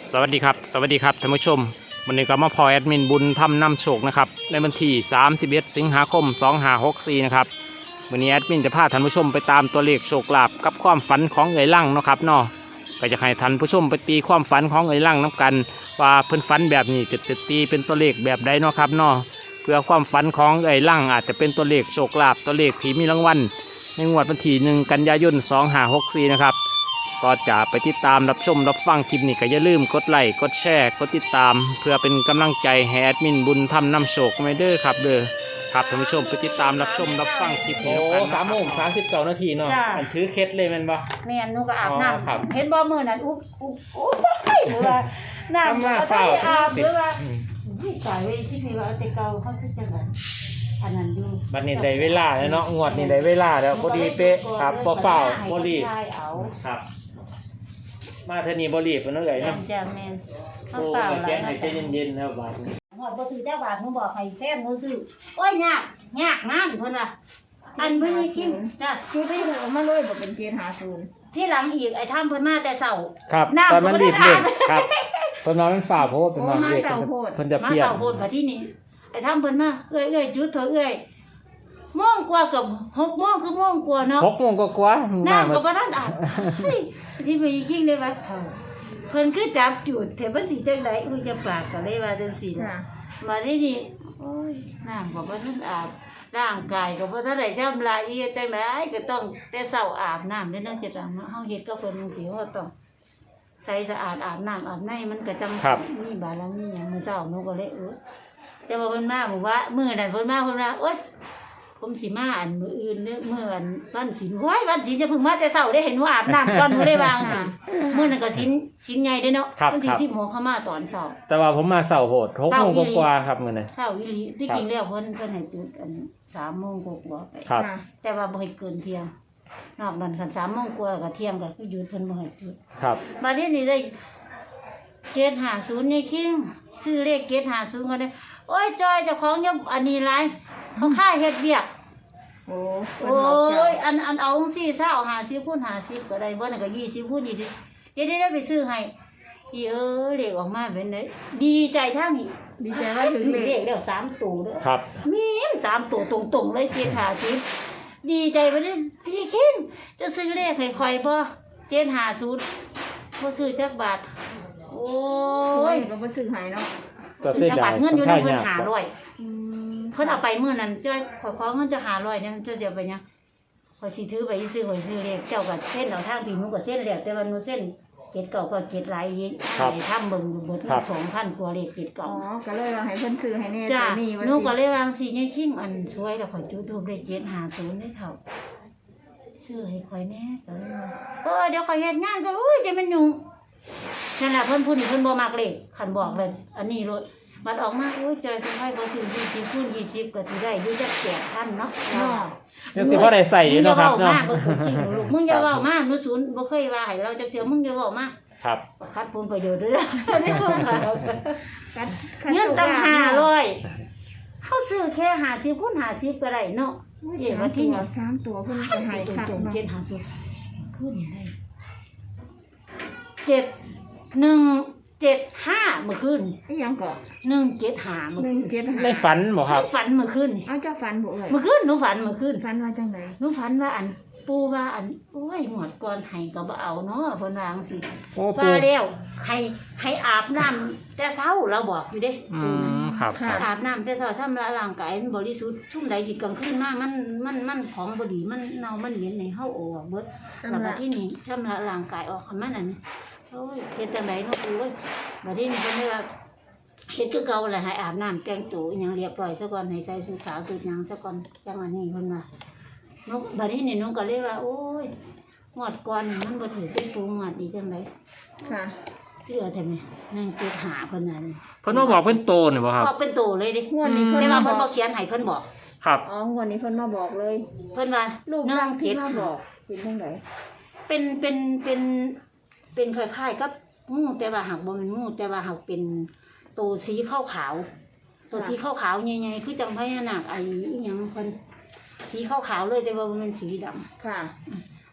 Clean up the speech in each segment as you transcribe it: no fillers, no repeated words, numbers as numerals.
สวัสดีครับท่านผู้ชมวันนี้ก็มาพอแอดมินบุญทำนำโชคนะครับในวันที่31 สิงหาคม 2564นะครับวันนี้แอดมินจะพาท่านผู้ชมไปตามตัวเลขโชคลาภกับความฝันของเอ๋ยลั่งนะครับเนาะก็จะให้ท่านผู้ชมไปตีความฝันของเอ๋ยลั่งน้ำกันว่าเพิ่นฝันแบบนี้จะตีเป็นตัวเลขแบบใดเนาะครับเนาะเพื่อความฝันของเอ๋ยลั่งอาจจะเป็นตัวเลขโชคลาภตัวเลขที่มีรางวัลในงวดวันที่1 กันยายน 2564นะครับก็จะไปติดตามรับชมรับฟังคลิปนี้ก็อย่าลืมกดไลค์กดแชร์กดติดตามเพื่อเป็นกำลังใจให้แอดมินบุญทำนำโชคไม่เด้อครับเด้อครับท่านผู้ชมไปติดตามรับชมรับฟังคลิปนี้กัน3:39 น.เนาะอันถือเคล็ดเลยแม่นบ่แม่นหนูก็อาบน้ำเห็นบ่มื้อนั้นอุ๊บหรือว่าน้ำก็ได้อาบหรือว่าตายเว้ยที่นี่ว่าแต่เก่าเขาคือจังนั้นอันนั้นอยู่บัดนี้ได้เวลาแล้วเนาะงวดนี้ได้เวลาแล้วพอดีเป๊ะครับบ่ฟ้าวบ่รีบครับมาเท่านี้บ่รีบเพิ่นเอ้ยเนาะจ้ะแม่นเขาฟ้าวแล้วให้ใจเย็นๆครับบาดนี้ฮอดบ่ซื้อจักบาทหนูบอกให้แฟนหนูซื้อโอ้ยยากนั่นเพิ่นน่ะอันเพิ่นคิดจ้ะคือไปหัวมาเลยบ่เป็น750 ที่หลังอีกไอ้ทำเพิ่นมาแต่เช้าครับตอนมันรีบเร่งครับเพิ่นว่ามันฟ้าวเพราะว่าเป็นว่าเด็กเพิ่นจะเปลี่ยนมาเช้าโพดบัดที่นี่ไอ้ทำเพิ่นมาเอ้ยจุดเถอะเอ้ยโมงกว่ากับ6 โมงคือโมงกว่าเนาะ 6 โมงกว่าน้ำก็บ่ทันอาบที่ไปคิงเลยว่าเพิ่นคือจับจุดเถอะเพิ่นสิจังได๋อุ้ยจะปากก็เลยว่าจังซี่นะมาที่นี่โอ้ยน้ำก็บ่ทันอาบร่างกายก็บ่ทันได้ชำระอีจังได๋ก็ต้องแต่เช้าอาบน้ำเด้อเนาะจะต้องเฮาเฮ็ดกับเพิ่นจังซี่เฮาต้องใส่สะอาดอาบน้ำอาบในมันก็จังมีบาลังมีหยังมื้อเช้าหนูก็เลยแต่ว่าเพิ่นมาบอกว่ามื้อนั้นเพิ่นมาโอ๊ยผมสิมาอันมื้ออื่นเด้อมื้ออันวันศีลโอ้ยวันศีลจะเพิ่งมาแต่เช้าได้เห็นว่าอาบน้ำก่อนบ่ได้วางสิมื้อนั้นก็ศีลใหญ่เด้เนาะวันที่10 โมงเข้ามาตอนเช้าแต่ว่าผมมาเช้าโหด6 โมงกว่าครับมื้อนั้นเช้าอีหลีที่จริงแล้วเพิ่นให้จุดอัน3 โมงกว่าไปแต่ว่าบ่ให้เกินเที่ยงนอกนั้นคัน3 โมงกว่าก็เที่ยงก็คือหยุดเพิ่นบ่ให้จุดครับบัดนี้ได้750นี่คิงซื้อเลข750ก็ได้โอ้ยจอยเจ้าของยังอันนี้หลายเขาค่าเฮ็ดเวียกโอ้ยอันเอาสี่เศร้า50 คูณ 50ก็ได้บ่นั่นก็20 คูณ 20เดี๋ยวไปซื้อให้อีเลขออกมาเป็นไดดีใจทั้งนี้ดีใจว่าถึงเลขแล้ว3ตัวเด้อครับมี3ตัวตรงๆเลย750ดีใจบ่ได้พี่คิงจะซื้อเลขให้ข่อยบ่750บ่ซื้อจักบาทโอ้ยก็บ่ซื้อให้เนาะก็ซื้อได้เงินอยู่ในเพิ่น500เพิ่นเอาไปมื้อนั้นจ้อยขอเงินจะ500เนี่ยจะเสียไปหยังข่อยสิถือไปซื้อข่อยซื้อเลขเจ้าก็เส้นเอาทางพี่หนูก็เส้นแล้วแต่ว่าหนูเส้นเก็ดเก่าก็เก็ดหลายอีกให้ทำเบิ่งเบิด 2,000 กว่าเลขเก็ดเก่าก็เลยว่าให้เพิ่นซื้อให้แน่จ้ะหนูก็เลยวางสิยายคิงอันช่วยแล้วข่อยจุดทูปได้750ได้เท่าซื้อให้ข่อยแน่ก็เลยว่าเดี๋ยวข่อยเฮ็ดงานก็อุ้ยจะมันยุ่งนั่นล่ะเพิ่นบ่มักเลขคันบอกเลยอันนี้รถมันออกมาโอ้ยจอยเพิ่นให้เขาซื้อ20 คูณ 20ก็สิได้อยู่จัก8,000เนาะยังสิพอได้ใส่อยู่เนาะครับเนาะมึงอย่าเว้ามาหนูศูนย์บ่เคยว่าให้เราจักเทื่อมึงอย่าเว้ามาครับคัดผลประโยชน์ด้วยนี่เพิ่นว่าเงินตั้ง500เฮาซื้อแค่50 คูณ 50ก็ได้เนาะวันที่3ตัวเพิ่นจะให้คัดเจ็ด50ขึ้นได้7175เมื่อคืนอีหยังก็ 175เมื่อคืนได้ฝันบ่ครับฝันเมื่อคืนอ้าวเจ้าฝันบ่เอ่ยเมื่อคืนหนูฝันเมื่อคืนฝันว่าจังได๋หนูฝันว่าอันปู่ว่าอันโอ้ยหมดก่อนให้ก็บ่เอาเนาะเพิ่นว่าจังซี่ว่าแล้วให้อาบน้ำแต่เช้าเราบอกอยู่เด้ครับอาบน้ำแต่เช้าชำระร่างกายบริสุทธิ์ชุ่มใดที่กลางคืนมามันของบ่ดีมันเน่ามันเหม็นให้เฮาออกเบิดแล้วก็ที่นี่ชำระร่างกายออกมันอันโอ้ยเฮ็ดจังได๋เนาะปู่เอ้ยบัดนี้เพิ่นเลยว่าเฮ็ดคือเก่าแหละให้อาบน้ำแต่งตัวอิหยังเรียบร้อยซะก่อนให้ใส่ชุดขาวชุดหยังซะก่อนจังอันนี้เพิ่นว่าบัดนี้นี่น้องก็เลยว่าโอ้ยงวดก่อนมันบ่ถือเป็นปูงวดดีจังได๋ค่ะเสื้อแท้แม่นั่งเก็บหาเพิ่นนั่นเพิ่นมาบอกเพิ่นโตนี่บ่ครับบอกเป็นโตเลยดิงวดนี้เพิ่นว่าเพิ่นบ่เขียนให้เพิ่นบอกครับอ๋องวดนี้เพิ่นมาบอกเลยเพิ่นว่ารูปร่างที่มาบอกเป็นจังได๋เป็นคล้ายๆกับงูแต่ว่าหักบ่แม่นงูแต่ว่าหักเป็นโตสีขาวๆตัวสีขาวๆใหญ่ๆคือจังพญานาคไอ้อีหยังเพิ่นสีขาวๆเลยแต่ว่ามันเป็นสีดำค่ะ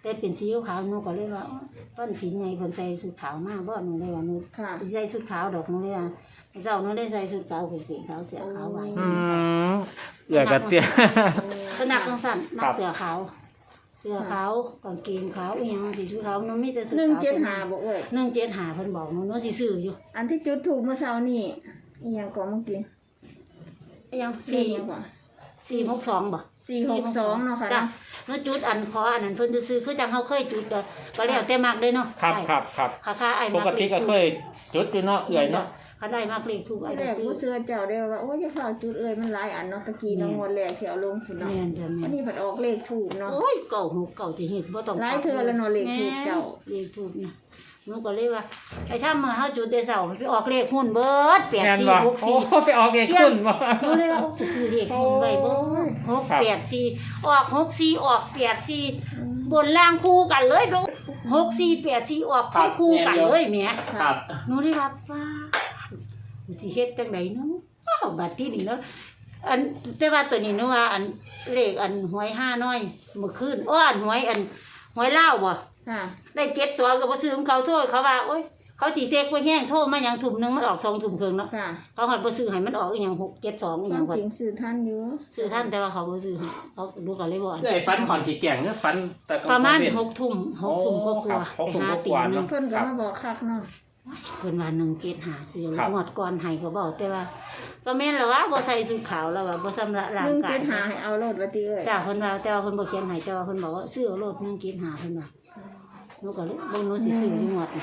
แต่เป็นสีขาวหนูก็เลยว่าวันศีลไงเพิ่นใส่ชุดขาวมาบ่หนูเลยว่าหนูค่ะสิใส่ชุดขาวดอกหนูเลยว่าเจ้าหนูได้ใส่ชุดขาวกางเกงขาวเสื้อขาวไว้เอื้อยกับเตี้ยสนักจังซั่นนัครักบเสื้อขาวเสื้อขาวกางเกงขาวอีหยังสีชุดขาวหนูมีแต่ชุดขาว 175บ่เอ้ย 175เพิ่นบอกหนูสิซื้ออยู่อันที่จุดถูกเมื่อเช้านี่อีหยังก็เมื่อกี้อีหยังเลขยังบ่ 462บ่ 462เนาะค่ะจ้ะเนาะหนูจุดอันขออันนั้นเพิ่นซื้อคือจังเฮาเคยจุดก็แล้วแต่มักเลยเนาะครับครับครับค่ะไอ้ปมักกติก็เคยจุดอยู่เนาะเอื้อยเนาะคันได้มักเลขถูกไอ้ที่แรก็กซื้อผู้เสื้อเจ้าได้ว่าโอ้ยจะเข้าจุดเอ้ยมันหลายอันเนาะตะกี้เนาะงวดแรกที่เอาลงพุ่นเนาะแม่นจ้ะแม่อันนนี้ผัดออกเลขถูกเนาะโอ้ยเก่าหูเก่าสิเฮ็ดบ่ต้องหลายเทื่อแล้วเนาะเลขถูกเจ้าเลขถูกนี่หนูก็เลยว่าไอ้ถ้ามื้อเฮาจุดแต่เช้ามันไปออกเลขหุ้นเบิดแม่นบ่โอ้ 8464 ไปออกเองคุณบ่หนูเลยว่าโอ้ซื้อเลขหุ้นไว้เบิด684ออก64ออก84บนล่างคู่กันเลยดู6484ออกคู่กันเลยแหมครับหนูได้ว่าป้าหนูสิเฮ็ดจังไดเนาะอ้าวบัดที่นี่เนาะอันแต่ว่าตัวนี้หนูว่าอันเลขอันหวย5น้อยเมื่อคืนอันหวยลาวบ่ค่ะได้72ก็บ่ซื้อของเขาโทษเขาว่าโอ๊ยเขาสิเซ็กบ่แห้งโทษมาหยังทุ่มนึงมันออก2ทุ่มครึ่งเนาะค่ะเขาหัดบ่ซื้อให้มันออกอีหยัง6 72อีคหยัวาง มก่อนจริงสื่อท่านอยู่ซื้อท่านแต่ว่าเขาบ่ซื้อให้เขาดูก็เลยบ่อันเอื้อยฟันขอนสีแก่งเนื้อฟันแต่ก็ประมาณเว้น 6ทุ่ม6ทุ่มกโอ้ว่าครับๆ 6ทุ่มหาก ตีว่าๆหนึเนาะงเพิ่นก็มาบอกคักเนาะเพิ่นว่า175ซื้อครับงวดก่อนให้ก็บอกแต่ว่าก็แม่นแล้วว่าบ่ใส่ชุดขาวแล้วว่าบ่สำระร่างกาย 175ให้เอาโลดว่าติเอ้ยจ้าเพิ่นว่าแต่ว่าเพิ่นบ่เขียนให้แต่ว่าเพิ่นบอกว่าซื้อเอาโลด175เพิ่นว่าหนูก็เลยบ่หนูสิซื้ออยู่งวดนี้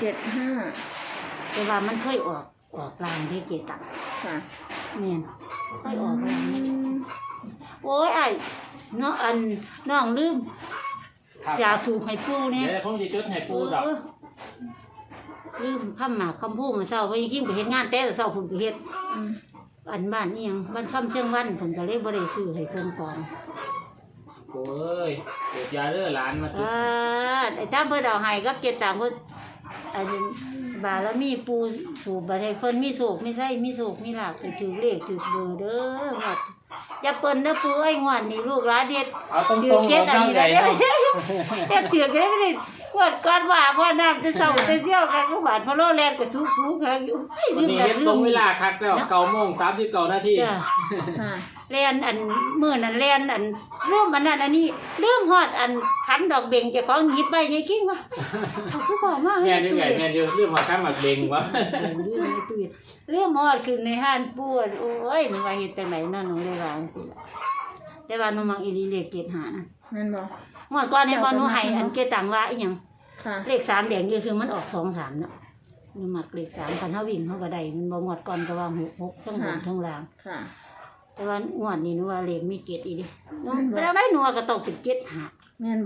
75 แต่ว่ามันเคยออกลางเด้เกตังค่ะแม่นเคยออกลางโอ้ยไอ้เนาะอันน้องลืมครับยาสูบให้ปู่เนี่ยเดี๋ยวผมสิจุดให้ปูดอกลืมคำหมากคำพูดมาเช้าไปยิ่งไปเฮ็ดงานแต่เช้าเพิ่นไปเฮ็ดอืมอันบ้านนี่ยังบ้านคำเชียงวันเพิ่นก็เลยบ่ได้ซื้อให้เพิ่นของโอ้ยเก็บยาเด้อหลานมาจุดไอ้ตามเพิ่นเอาให้กับเจ็ดตามเพิ่นอันนี้บารมีปูสูบบ่ให้เพิ่นมีโศกมีไส้มีโศกมีลาภถือเลขถือเบอร์เด้อหมดอย่าเปิ้นเด้อปูเอ้ยงวดนี้ลูกหลานเด็ดเอาตรงถืๆอเคสอันน้องนี้ใหญ่แล้วเนาะเฮ็ดถือได้ไม่ได้กวดก่อนว่าพ่อน้ำจะเศร้าจะเสี่ยวกันก็บาดพะโลแลนก็สู้ปูกันอยู่เฮ้ยวันลืมนี้กันเฮ็ดลืตรงมเวลาคักแล้ว9:39 นาทีจ้ะค่ะแล่นอันมื้อนั้นแล่นอันลืมอันนั้นอันนี้ลืมฮอดอันขันดอกเบ่งเจ้าของหยิบไปยายกิ้งว่าเขาคือบอกมาแม่นอยู่ใหญ่แม่นอยู่เรื่องมาคั้งหมักเบงวะเรื่องฮอดขึ้นในห้านปวดโอ้ยหนูว่าเฮ็ดจังไดนั่นหนูเลยว่าจังซี่ล่ะแต่ว่าหนูมักอีหลีเลขเกตหานะแม่นบ่งวดก่อนเนี่ยบ่หนูให้อันเกตตังว่าอีหยังค่ะเลข3แดงอยู่คือมันออก2 3เนาะหนูมักเลข3คันเฮาวิ่งเฮาก็ได้มันบ่งวดก่อนก็ว่า6ทั้งบนทั้งล่างค่ะแต่ว่างวดนี้หนูว่าเลขมีเกตอีเดิแต่ได้หนูว่าก็ต้องเป็นเกตหาแม่นบ่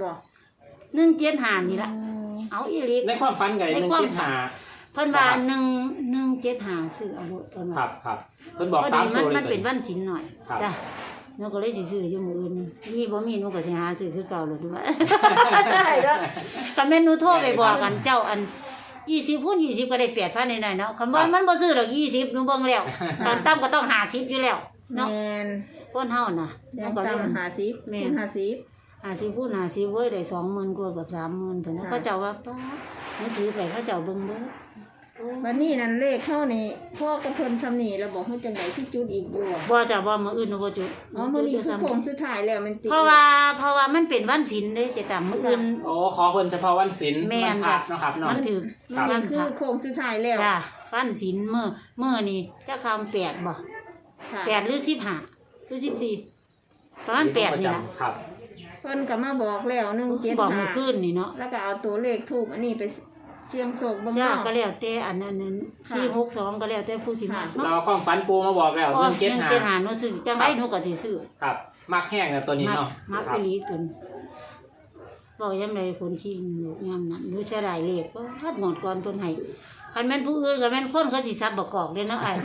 175นี่ล่ะเอาอีหลีในความฝันไก่175 เพิ่นว่า175ซื้อเอาโลดเพิ่นว่าครับเพิ่นบอกพอ 3 ดีตัวเลยมันเป็นวันศีลหน่อยครับจ้ะหนูก็เลยสิซื้ออยู่มื้ออื่นมีบ่มีหนูก็สิหาซื้อคือเก่าเลยด้วยได้เด้อคันแม่นหนูโทรไปบอกกันเจ้าอัน20คูณ20ก็ได้ 8,000หน่อยๆเนาะคันว่ามันบ่ซื้อดอก20หนูเบิ่งแล้วตอนต่ำก็ต้อง50อยู่แล้วเนาะแม่นคนเฮาน่ะหยันูงก็เลยตาม50 แม่คูนณ50 50คูณ50เว้ยได้ 20,000กว่ากับ30,000เพิ่นเขาเจ้าว่าป้าหนูถือไปเขาเจ้าเบิ่งเด้อโอ้วันนี้นั่นเลขเข้านี่พ่อกระเพิ่นซ้ำนี่แล้วบอกเฮาจังได๋ที่จุดอีกอยู่อะบ่จ้ะบ่มื้ออื่นหนูบ่จุดอ๋อมื้อนี้คือโค้งสุดท้ายแล้วมันติดเพราะว่ามันเป็นวันศีลเด้จะตามมื้ออื่นโอ้ขอเพิ่นเฉพาะวันศีลแม่นวันพระเนาะครับเนาะมันถือครับมัวัน นคือโค้งสุดท้ายแล้วจ้ะวันศีลมื้อนี่จะคำ8บ่ค่ะ 8หรือ15หรือ14ประมาณ8นี่ล่ะครับเพิ่นก็มาบอกแล้ว175 บอกมื้อคืนนี่เนาะแล้วก็เอาตัวเลขทูบอันนี้ไปเสี่ยงโชคเบิ่งจ้าเนาะก็แล้วแต่อันนั้น462ก็แล้วแต่ผู้สิมาค่ะเราความฝันปูมาบอกแล้วอ๋อ 175 175หนูซื้อจังได๋หนูก็สิซื้อครับมักแห้งนะตัวนี้เนาะมักครัอีบหลีตุนบอกยังไงคนที่อยู่ยามนั้นหนูจะได้เลขบ่ทัดหมดก่อนเพิ่นให้คันแม่นผู้อื่นก็แม่นคนเขาสิซับบ่กอกเด้เนาะอ้าย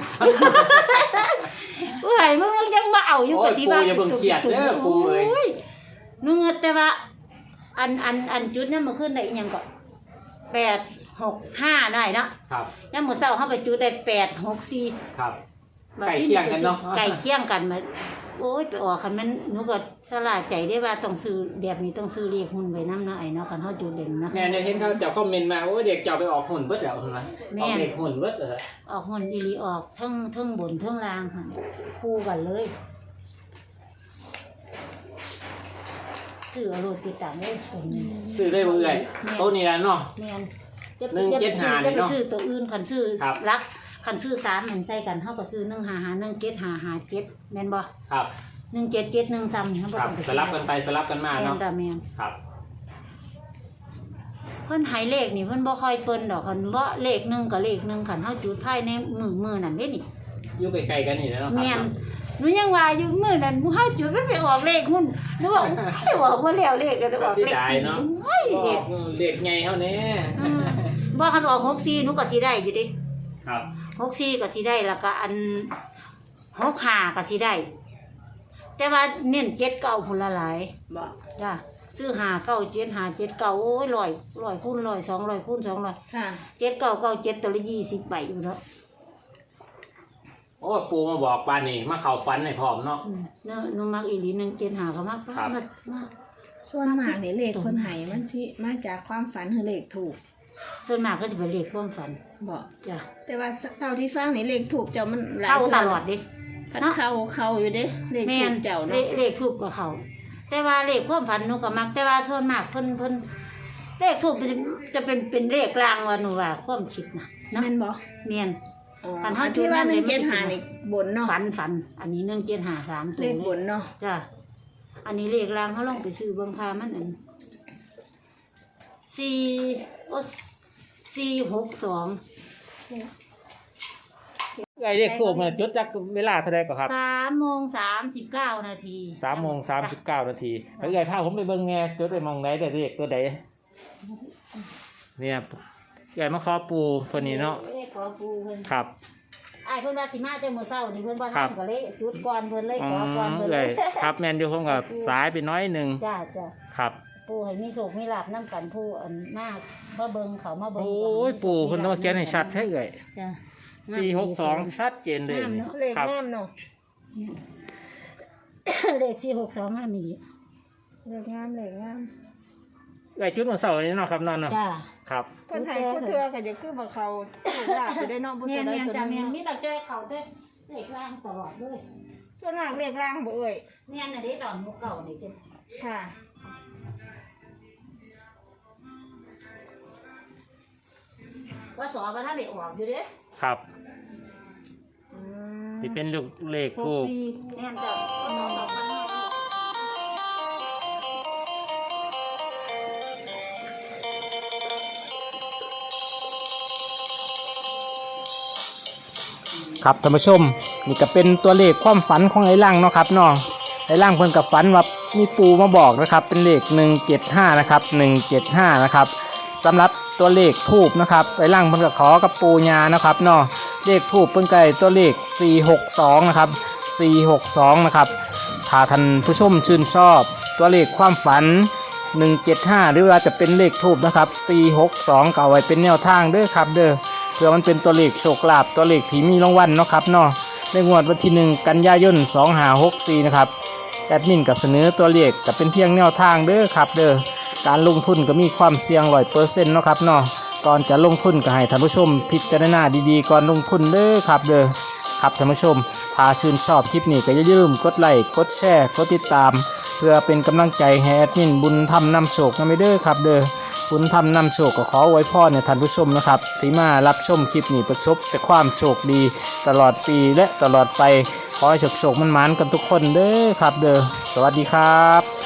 โอ้ยมึงยังมาเอาอยู่โอ้กับยสิปูว่าอย่าเพิ่งเครียดเด้อปูเอ้ยหนูเงดแต่ว่า อันจุดนั้นเมื่อคืนได้อีหยังก็865ได้เนาะครับยามมื้อเช้าเฮาไปจุดได้864 ครับไก่เคี่ยงกันเนาะไก่เคี่ยงกันมาโอ้ยไปออกคันมันหนูก็สลาดใจได้ว่าต้องซื้อแบบนี้ต้องซื้อเลขหุ้นไว้นำเนาะไอ้เนาะคันเฮาจุดเด่นนะแม่เนี่ยเห็นเขาเจ้าคอมเมนต์มาโอ้เด็กเจ้าไปออกหุ่นเบิดแล้วเห็นไหมออกเด็กหุ่นเบิดเลยออกหุ้นอีหลีออกทั้งบนทั้งล่างค่ะคู่กันเลยซื้อเอาโลดติดตามได้ส่วนนึงซื้อได้บ่เอ่ยโต๊ะนี้แล้วเนาะแม่น 175 จะไปซื้อตัวอื่นคันซื้อครับรักคันซื้อ3มันใส่กันเฮาก็ซื้อ155 17557แม่นบ่ครับ 177 13เฮาบ่ครับต้องไปสลับกันไปสลับกันมาแม่เนาะนตาแม่นครับเพิ่นให้เลขนี่เพิ่นบ่ค่อยเปิ้นดอกคันบ่เลขหนึงกับเลขหนึงคันเฮาจุดภายในมือนั่นเด้นี่อยู่ใกล้ๆกันนี่แหละเนาะคแม่รันบหนูยังว่าอยู่มื้อนั้นหมู่เฮาจุดมันไปออกเลขหุ้นหนูว่าไม่ออกบ่แล้วเลขก็ออกเสียเลขดายเนาะโอ้ยอเลอขกเด็กใหญ่เท่านี้บ่คันออก64หนูก็สิได้อยู่เดิครับ 64ก็สิได้แล้วก็อัน65ก็สิได้ แต่ว่าเน้น79พุ่นละหลายบ่จ้ะซื้อ597 579โอ้ย100คูณ100 200คูณ200 ค่ะ 7997ตัวละ20ใบอยู่เนาะโอ้ปูมาบอกปานนี่มาเข้าฝันให้พร้อมเนาะเนาะหนูมักอีหลี175ก็มักครับมากส่วนมากนี่เลขเพิ่นให้มันสิมาจากความฝันหรือเลขถูกส่วนมากก็จะเป็นเลขความฝันบ่จ้ะแต่ว่าเท่าที่ฟังนี่เลขถูกเจ้ามันหลายเข้าตทื่ลอดดิพัดเข้าอยู่เด้เลขแม่ถูนกเจ้าเนาะเลขทูบกับเขาแต่ว่าเลขความฝันหนูก็มัก แต่ว่าส่วนมากเพิ่นเลขทูบจะเป็นเลขกลางว่าหนูว่าความคิดนะเนาะแม่นบ่แม่นอ๋อฝันเฮาที่ว่าจุดนั้นเลย 175นี่บนเนาะฝันอันนี้1753ตัวเลขบนเนาะจ้ะอันนี้เลขกลางเขาลองไปซื้อเบิ่งพามันอัน462 ไอ้เด็กพวกมันจุดจักเวลาเท่าใดก็ครับ 3:39 นาที 3:39 นาทีแล้วไอ้พาผมไปเบิ่งแง่จุดไปมองไหนได้เลขตัวใดเนี่ยไอ้มาขอปูคนนี้เนาะเลขขอปูเพิ่นครับอ้ายเพิ่นว่าสิมาแต่มื้อเช้านี่เพิ่นบ่ครัทับนก็เลยจุดก่อนเพิ่นเลยอ๋ขออก่อนเพิ่นเลเลย ยครับแมนอยู่ผมกับสายไปน้อยหนึงจ้าครับปู่ให้มีโชคมีลาภนำกันผู้อันมากมาเบิ่งเขามาเบิ่งโอ้ยปูคนต้องเขียนให้ชัดแท้เอ่ยจ้ะ 462ชัดเจนเลยงามเนาะเลขครับงามเนาะเลข462งามอีหลีเลขงามเลขงามไอ้จุดวันเสาร์นี้เนาะครับนั่นเนาะจ้าครับเพิ่นให้ผู้เทื่อก็จะคือบ่เขาถูกลาบไปได้เนาะบ่แม่ตัวใดนตัวๆจ้าหนึแม่งนมีแต่แก้เขาแต่เลขล่างตลอดเลยส่วนมากเลขล่างบ่เอ่ยแม่นน่ะเด้ตอนหมู่เก่านี่จ้ะค่ะว่าสอบ่ทันได้ออกอยู่เด้ครับอืมที่เป็นลูกเลขทูบแม่นจ้ะว่าสอ2,500 ครับท่านผู้ชมนี่ก็เป็นตัวเลขความฝันของไอ้ล่างเนาะครับเนาะไอ้ล่างเพิ่นกับฝันว่ามีปูมาบอกนะครับเป็นเลข175นะครับ175นะครับสำหรับตัวเลขทูบนะครับไอ้ล่างเพิ่นก็ขอกับปูญานะครับเนาะเลขทูบเพิ่นก็ได้ตัวเลข462นะครับ462นะครับถ้าท่านผู้ชมชื่นชอบตัวเลขความฝัน175หรือว่าจะเป็นเลขทูบนะครับ462ก็เอาไว้เป็นแนวทางเด้อครับเด้อเพื่อมันเป็นตัวเลขโชคลาภตัวเลขที่มีรางวัลเนาะครับเนาะในงวดวันที่1กันยายน2564นะครับแอดมินก็เสนอตัวเลขก็เป็นเพียงแนวทางเด้อครับเด้อการลงทุนก็มีความเสี่ยง 100% เนาะครับเนาะก่อนจะลงทุนก็ให้ท่านผู้ชมพิจารณาดีๆก่อนลงทุนเด้อครับเด้อครับท่านผู้ชมถ้าชื่นชอบคลิปนี้ก็อย่าลืมกดไลค์กดแชร์กดติดตาม เพื่อเป็นกำลังใจให้แอดมินบุญธรรมนำโชคนำไปเด้อครับเด้อบุญธรรมนำโชคก็ขอไว้พ่อเนี่ยท่านผู้ชมนะครับที่มารับชมคลิปนี้ประสบแต่ความโชคดีตลอดปีและตลอดไปขอให้โชคมันหมานกันทุกคนเด้อครับเด้อสวัสดีครับ